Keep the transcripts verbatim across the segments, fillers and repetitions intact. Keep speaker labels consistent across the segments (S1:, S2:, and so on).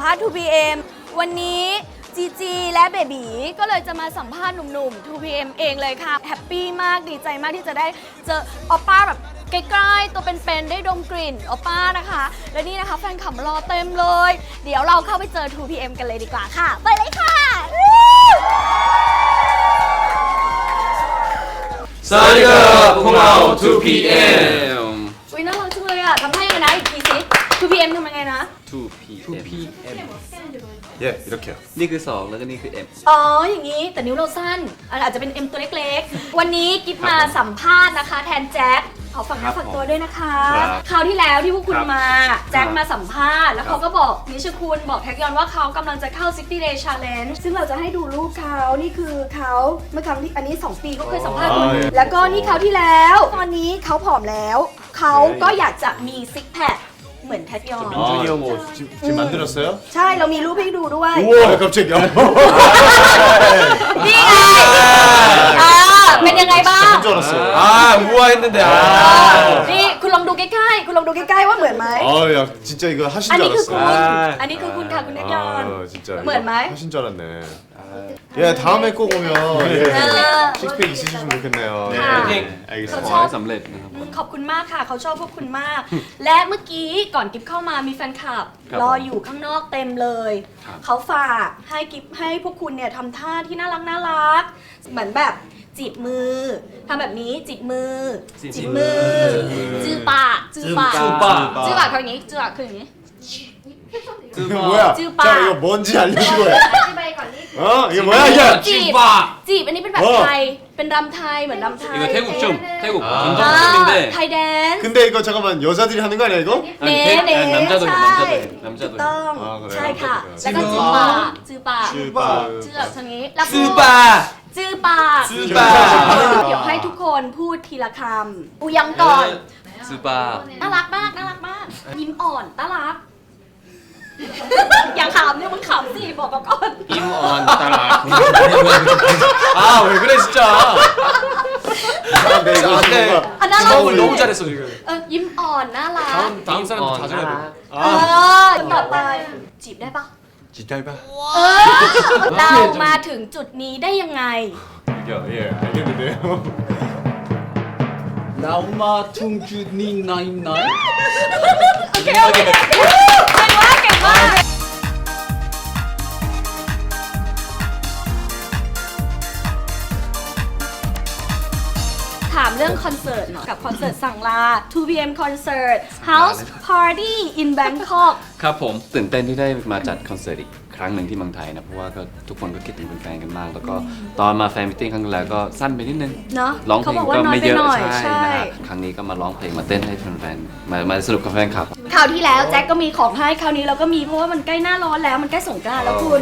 S1: ภาษณ์ ทู พี เอ็ม วันนี้จีจีและเบบีก็เลยจะมาสัมภาษณ์หนุ่มๆ ทู พี เอ็ม เองเลยค่ะแฮปปี้มากดีใจมากที่จะได้เจอออป้าแบบใกล้ๆตัวเป็นๆได้ดมกลิ่นออป้านะคะและนี่นะคะแฟนคลับรอเต็มเลยเดี๋ยวเราเข้าไปเจอ ทู พี เอ็ม กันเลยดีกว่าค่ะไปเลยค่ะ
S2: สวัสดีครับพวกเรา ทู พี เอ็ม
S1: อุ้ยน่ารักจังเลยอ่ะทำให้ยังไงนะอีกทีสิ ทู พี เอ็ม ทำยังไงนะ
S2: ทู พี เอ็ม
S3: 예, 이렇게요.
S2: นี่คือสองแล้วก็นี่คือ M
S1: อ๋ออย่างนี้แต่นิ้วเราสั้นอาจจะเป็น เอ็ม ตัวเล็กๆวันนี้กิฟมาสัมภาษณ์นะคะแทนแจ็คขอฝากเนื้อฝากตัวด้วยนะคะคราวที่แล้วที่พวกคุณมาแจ็คมาสัมภาษณ์แล้วเขาก็บอกนิชคุณบอกแท็กยอนว่าเขากำลังจะเข้า ซิกตี้ เดย์ challenge ซึ่งเราจะให้ดูรูปเขานี่คือเขาเมื่อครั้งที่อันนี้สองปีก็เคยสัมภาษณ์คุณแล้วก็นี่เขาที่แล้วตอนนี้เขาผอมแล้วเขาก็อยากจะมีซิกแพคเหมือนแท็กยอน
S3: 민준이 형 뭐 지금, 지금 만들었어요?
S1: ใช่เรามีรูปให้ดูด้วย
S3: 우와 깜짝이야.
S1: นี่ไงอ่าเป็นยังไงบ้าง
S3: 줄 알았어.
S2: 아 우아했는데 아
S1: นี่คุณลองดูใกล้ๆคุณลองดูใกล้ๆว่าเหมือนไหม
S3: 아야 진짜 이거 하신
S1: อัน
S3: 줄
S1: นี้คือคุณ
S3: 알았어.
S1: อันนี้คือคุณค่ะคุณแท็กยอน
S3: 아 진짜 이거
S1: 뭐였나?
S3: 하신 줄 알았네. 예 다음에 꼭 오면 예, 식스팩 있으시면 좋겠네요. 예,
S1: 네.
S3: 알겠습니다.
S2: ขอให้สำเร็จนะครับ
S1: ขอบคุณมากค่ะเขาชอบพวกคุณมาก และเมื่อกี้ก่อนกิฟเข้ามามีแฟนคลับ
S2: ครับ
S1: รออยู่ข้างนอกเต็มเลย
S2: ครับ
S1: เขาฝากให้กิฟให้พวกคุณเนี่ยทำท่าที่น่ารักน่ารักเหมือนแบบจีบมือทำแบบนี้จีบมือจีบมือจือปากจือปาก
S2: จือปาก
S1: จือปากคืออย่างนี้จือปากคืออย่างนี้
S3: 이거 뭐야?
S1: 쭈빠.
S3: 자 이거 뭔지 알려주고 해.
S1: อธิบายก่อนนี่
S3: 어 이게 뭐야 이게?
S1: จีบ
S2: 바
S1: จีบอันนี้เป็นแบบ
S3: เออ
S1: ไทยเป็นรำไทยเหมือนรำไทย
S2: 이거 태국 춤 태국
S3: 아.
S1: อ่า
S2: 전통춤인데
S1: ไทยแดนซ์
S3: 근데 이거 잠깐만 여자들이 하는 거 아니야 이거?
S1: เน่เน่
S2: 남자들
S1: ใช่
S2: 남자들
S1: ถูก
S2: 남자들
S1: ต้อง
S3: อ่าก็เลย
S1: ใช่ค่ะ
S3: จื้
S1: แล้ว
S3: อ
S1: ก็
S3: ปา
S1: จือปาจือปา
S3: 쭈빠.
S1: จือแบบทางนี้แล้วก็
S2: 스바
S1: จือปา
S2: จือปา
S1: เดี๋ยวให้ทุกคนพูดทีละคำอูยังก่อน
S2: 스바
S1: น่ารักมากน่ารักมากยิ้มอ่อนน่ารัก อย่าขำเนี่ยมึงขำสิบอกก่อน
S2: 임원 따라 아왜 그래 진짜
S3: 아, 네, 이거
S2: 아, 네.
S3: 뭔가
S1: 아, 나-
S3: 주먹을
S2: 너무 잘했어 지금
S1: เออยิ้มอ่อนน่ารัก
S2: 다음 다음 사람도 다 잘해
S1: เออต่อไปจีบได้ปะ
S3: 지탈바.
S1: เออเรามาถึงจุดนี้ได้ยังไง
S3: 예 알겠는데요.
S2: 나우마 퉁주니 나임 나임
S1: โอเคโอเคเก่งมากเก่งมากถามเรื่องคอนเสิร์ตหน่อยกับคอนเสิร์ตสั่งลา ทู พี เอ็ม Concert House Party in Bangkok
S2: ครับผมตื่นเต้นที่ได้มาจัดคอนเสิร์ตอีกครั้งหนึ่งที่เมืองไทยนะเพราะว่าก็ทุกคนก็คิดถึงแฟนๆกันมาก แล้วก็ตอนมาแฟนมิทติ้งครั้งแรกก็สั้นไปนิดนึง
S1: เนาะ
S2: ร้องเพ
S1: เขา
S2: ลง
S1: บอกว่า
S2: ก็
S1: น้อย
S2: ไม่
S1: ไป
S2: เยอะ
S1: หน่อย
S2: ใช่
S1: ใช่
S2: นะฮะครั้งนี้ก็มาร้องเพลงมาเต้นให้แฟนๆมามาสนุกกับแฟนคลับ
S1: คราวที่แล้วแจ็คก็มีของให้คราวนี้เราก็มีเพราะว่ามันใกล้หน้าร้อนแล้วมันใกล้สงกรานต์แล้วคุณ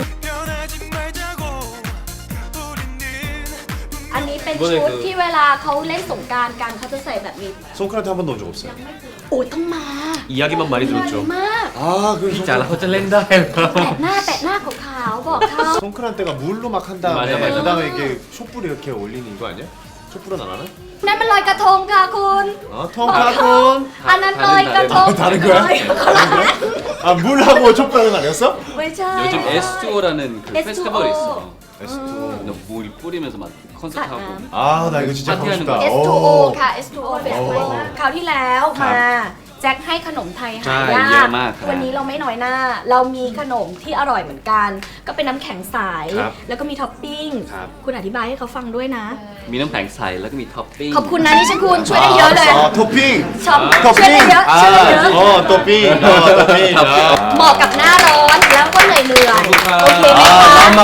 S1: อันนี้เป็นชุดที่เวลาเขาเล่นสงกรานต์กันเขาจะใส่แบบนี้
S3: 손크란트 한 번도 온 적 없어요.
S1: โอ้ยต้องมา
S2: 이야기만 많이
S1: มาดีมาก
S3: 아 그럼 손-
S2: 자 호텔 렌다
S1: แปะหน้าแปะหน้าขาวๆบอกเขา
S3: 손크란트가 물로 막 한 다음에
S2: 맞아, 맞아.
S3: 그 다음에 이렇게 촛불 이렇게 올리는 거 아니야? 촛불은 안 하나?
S1: นั่นมันลอยกระทงค่ะคุณ
S3: 어
S1: บอกเขา
S3: 통카콘.
S1: อันนั้นลอยกระทง
S3: 다른 거야?
S1: ลอยกระทง
S3: 아 물하고 촛불은 아니었어?
S1: ไม่ใช่
S2: 요즘
S1: ค่ะ
S2: 에스투오라는 그
S1: 에스투오.
S2: 페스티벌이 있어
S3: 에스투오.
S2: 너 물 뿌리면서 막 콘서트 하고
S3: 아 나 이거 진짜 가고
S2: 파티하는
S3: 싶다.
S2: 거.
S1: เอส ทู โอ
S3: 어.
S1: ค่ะ เอส ทู โอ เป็นอะไรมากคราวที่แล้ว
S2: ครับ
S1: มาแจ็คให้ขนมไทยหา
S2: ใช่
S1: ยา
S2: เย
S1: ก
S2: อะมากครับ
S1: วันนี้เราไม่น้อยหน้า เรามีขนมที่อร่อยเหมือนกัน ก็เป็นน้ำแข็งใส
S2: ครับ
S1: แล้วก็มีท็อปปิ้ง
S2: ครับ
S1: คุณอธิบายให้เขาฟังด้วยนะ
S2: มีน้ำแข็งใสแล้วก็มีท็อปปิ้ง
S1: ขอบคุณนะนี่ชัคุณช่วยได้เยอะเลย
S3: 아 토핑.
S1: ชอบ
S3: ท็อป
S1: ช่วย
S3: ปิ้
S1: ได้
S3: ง
S1: เยอะช่วยได้เยอะ
S3: 어 토핑. 어 토핑. 아.
S1: เหมาะกับหน้าร้อนแล้วก็เหนื่อยเหนื่อย
S2: ขอบคุณครับ
S1: โอเคไหมคะ
S3: 아 맘막.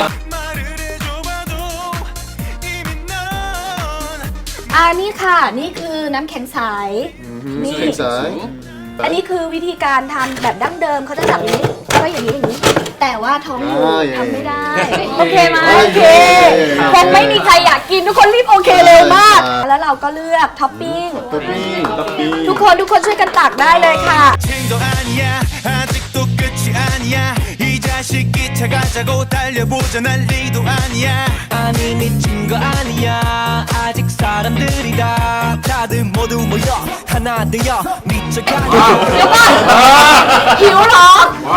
S1: อ่านี่ค่ะ นี่คือน้ำแข็งใส นี่
S3: 생
S1: อันนี้คือวิธีการทำแบบดั้งเดิมเขาจะจับอย่างนี้แล้วก็อย่างนี้อย่างนี้ แต่ว่าท้องอยู่
S3: อ่าเย่
S1: ทำไม่ได้ โอเคไหมโอเค
S3: โอเค
S1: คงไม่มีใครอยากกินทุกคนรีบโอเคเลยมาก แล้วเราก็เลือกท็อปปิ้ง
S3: 토핑. 토핑.
S1: ทุกคนทุกคนช่วยกันตักได้เลยค่ะ
S4: 생도 아니야 아직도 끝이 아니야 이 자식 다시 기차 가자고 달려보자 난리도 아니야 아니 미친 거 아니야 아직 사람들이 다 다들 모두 모여 하나 되어 미쳐가자
S1: เดี๋ยวก่อนหิวเหรอ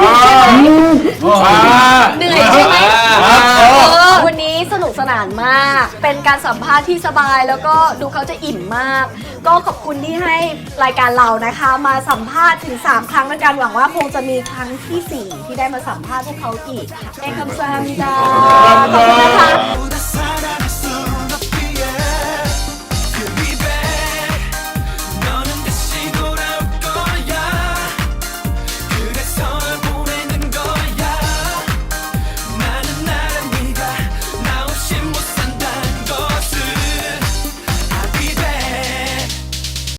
S1: เหนื่อยใช่ไหมเออวันนี้สนุกสนานมาก เป็นการสัมภาษณ์ที่สบายแล้วก็ดูเขาจะอิ่มมาก ก็ขอบคุณที่ให้รายการเรานะคะ มาสัมภาษณ์ถึงสามครั้งในการหวังว่าคงจะมีครั้งที่สี่ที่ได้มาสัมภาษณ์พวกเขาอีกค่ะเอ็กซ์คัมซามดาขอบคุณนะคะ